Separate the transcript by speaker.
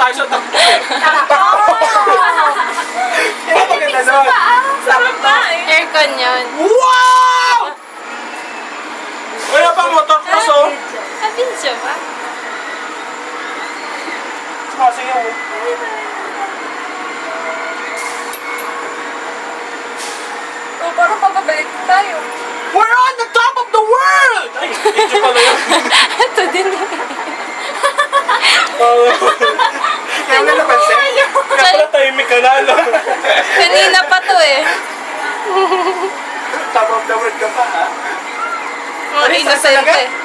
Speaker 1: tayo sa takbo. Hindi ba maganda doon?
Speaker 2: Sarap na eh.
Speaker 3: Aircon yun.
Speaker 1: Wow! Wala pang motor cross oh.
Speaker 3: Kabidyo ba?
Speaker 1: Sumasayaw.
Speaker 2: O, parang pababalik tayo.
Speaker 1: We're on the top of the world! Ay, video pala yun.
Speaker 3: Ito din.
Speaker 1: Kaya nga napansin. Kaya pala tahimik ka na, no?
Speaker 3: Kanina pa to eh.
Speaker 1: Top of the world ka pa, ha?
Speaker 3: Mga
Speaker 1: Ano yung
Speaker 3: innocent
Speaker 1: talaga?
Speaker 3: eh.